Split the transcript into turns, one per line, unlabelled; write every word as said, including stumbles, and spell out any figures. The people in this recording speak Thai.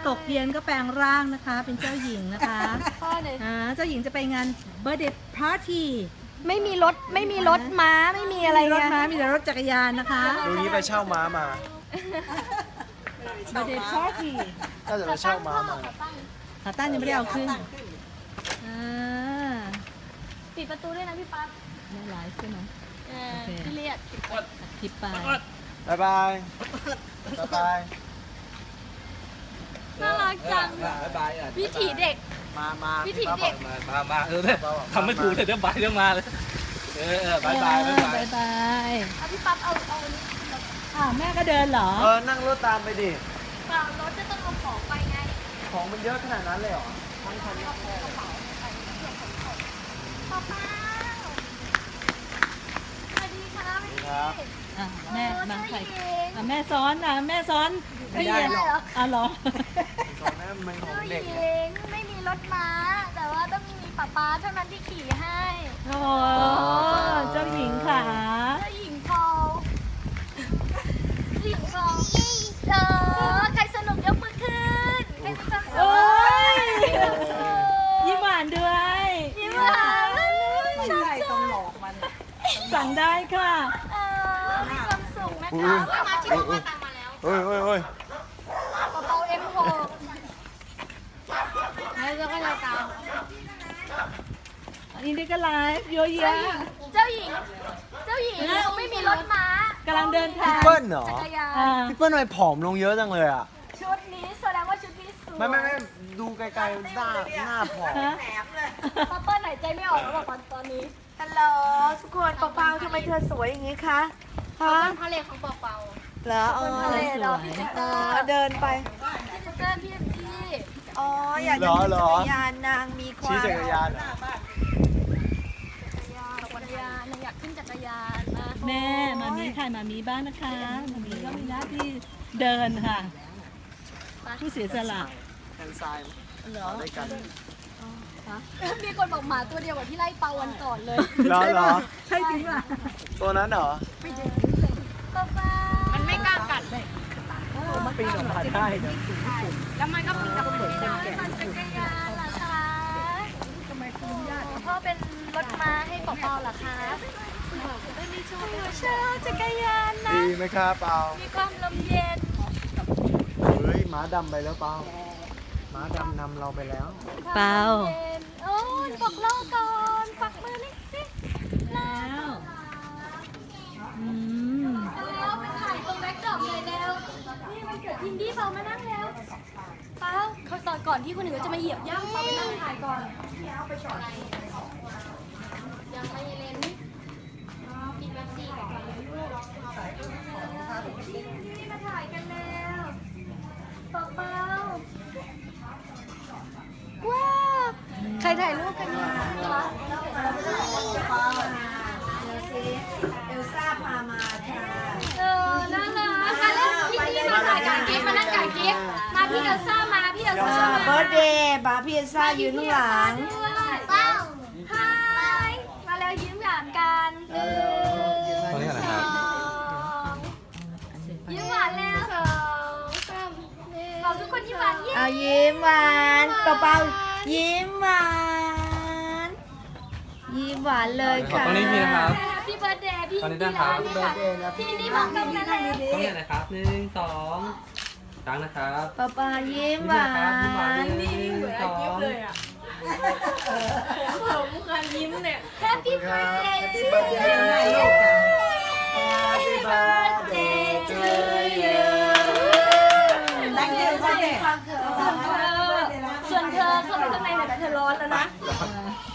ตกเย็นก็แปลงร่างนะคะ เป็นเจ้าหญิงนะคะอ่าเจ้าหญิงจะไปงานเบ r ร์ d เดย์พาร์ตี้
ไม่มีรถไม่มีรถม้าไม่มีอะไร
รถ
ไง
ม้ามีแต่รถจักรยานนะคะ
ดูนี้ไปเช่าม้ามา
เบ r ร์ d เดย์พาร์ตี้
น่าจะไปเช่าม้ามา
ขาตั้งยังไม่ได้เอาขึ้นอ่า
ปิดประตูด้วยนะพี่ปั๊บ
ไม่ไลฟ์ใช่ไหม
เออพี่เรียก
อัดคลิปไป
บายบายบายบาย
น่ารักจัง
บายบายอ่ะ
วิถีเด็ก
มามา
วิถีเด็ก
มามามาเออเนี่ยทำไม่ถูกเลยเดี๋ยวไปเดี๋ยวมาเลยเออเออบายบายบายบาย
บายบาย
เอาพี่ปั๊บเอาเอาอันนี้
อ้าวแม่ก็เดินเหรอ
เออนั่งรถตามไปดิ
เปล่ารถจะต้องเอาของไปไง
ของมันเยอะขนาดนั้นเลยเหรอ
ป๊าป๊าสวัสดีค่ะ
ครับ
อ่ะแม่บางใครอ่ะแม่ซ้อนอ่ะแม่ซ้อน
ไม่ได้หรอก
อ่ะเหรอ
ของนั้นมันของ
เจ้าห
เด็
ญิ
ก
งไม่มีรถม้า แต่ว่าต้องมีป๊าป๊าเท่านั้นที่ขี่ให้
โอ้เจ้าหญิงค่ะ
เจ้าหญิงพอลเจ้าหญิงพอลเออใครสนุกยกมือขึ้นใครมีความสุ
โอ้
ข
ย
มีความสุข
ยิ้มหวานด้วย
ยิ้มหวานชอบจัง
สั่งได้ค่ะ
เออมีความสุขนะ
อุ้
คะ
ย
มาชิมว่าตามมาแล้ว
เฮ้ยเฮ้ยเฮ้ย
กระเป๋า เอ็ม หก แล้วก็เลยตาม
อันนี้ก็ไลฟ์เยอะแยะ
เจ้าหญิง เจ้าหญิงเราไม่มีรถม้าก
ำลังเดินทาง
พี่เปิ้ลเหรอ
จักรยาน
อ่า
พี่เปิ้ลทำไมผอมลงเยอะจังเลยอ่ะ
ชุดนี้แสดงว่าชุดนี้สวย
ไม่ไม่ไม่ดูไกลๆหน้าหน้าผอม
ฮะ
ป้าเปิ้ลหายใจไม่ออกแล้วบอกตอนนี้
ฮัลโหลทุกคนเปาๆทำไมเธอสวยอย่างนี้คะฮะ
ทะเลของเปาเปา
เหรออ๋อ
ทะเลเหรอพี่เจ
เออเดินไป
พี่เปิ้ลพี่พี่
อ๋อ อยากจะขี่จักรยานนางมีควา
ชี้
ม
จักรยานเหรอ
จักรยานนางอยากขึ้นจักรยานนะ
แม่มามีถ่ายมามีบ้างนะคะมามีก็มีหน้าที่เดินค่ะ ผู้เสียสละ
แทนซ้าย
เหรอ
ได้กัน
มีคนบอกหมาตัวเดียวกับที่ไล่เปาวันก่อนเลย
เหรอเหรอ
ใช่จริงป่ะ
ตัวนั้นเหรอ
ป้าเป้ามันไม่กล้ากัด
ปีนออกมาได้นะ
แล้วมันก็ปีนกลับมาไม่ได้ปั่นจักรยานเหรอคะทำไมคุณญาติพ่อเป็นรถม้าให้เปาเปาเหรอคะไม่มีช่วยเชื่อจักรยานนะ
ดีไหมครับเปา
มีความลมเย็น
เฮ้ยม้าดำไปแล้วเปาม้าดำนำเราไปแล้ว
เปล่า
โอ้ยบอกเล่าก่อนปักมือนี่สิ
แล้วอืม
แล้วไปถ่ายตรงแบ็คดรอปเลยแล้วนี่มันเกิดทินดี้เปามานั่งแล้วเปาเขาตอนก่อนที่คนอื่นจะมาเหยียบย่ำเปาไปนั่งถ่ายก่อนยังไม่เล่นกินแบ็คซี่ก่อนนี่มาถ่ายกันแล้วเปาเปาว้าวใครถ่ายรูปกันเนี่ย
เอลซ่าพามาค่ะ
เออน่ารักมาเล่นพี่นี่มาถ่ายกับกิ๊กมานั่งกับกิ๊กมาพี่เอลซ่ามาพี่เอลซ่ามา
เบิร์ดเดย์บาร์พี่เอลซ่ายืนข้างหลัง
เป้าฮายมาแล้วยิ้มหวานกันหนึ่งสองยิ้มหวานแล้วสองสามบอกทุกคนยิ้มหวานเย้
เอายิ้มหวานเปาๆยิ้มหวานยิ้มหวานเลยค่ะ
ตอนนี้มีนะครับ
พี่เบิร์ดเดย์พี่
ตอนนี้นะครับ
พี่นี่บอกตรงนั้นเลย
ต้องเนี่ยนะครับหนึ่งสองครั้งนะครับ
เปาๆยิ้มหวา
ยิ้มหวาน
น
หนึ่งสอง
แฮปปี้เบิร์ดเดย์ทู
Happy birthday to you
แต่งเดือนวันเด็ก
ส่วนเธอส่วนเธอเข้าไปข้างในหน่อยนะเธอร้อนแล้วนะ
เ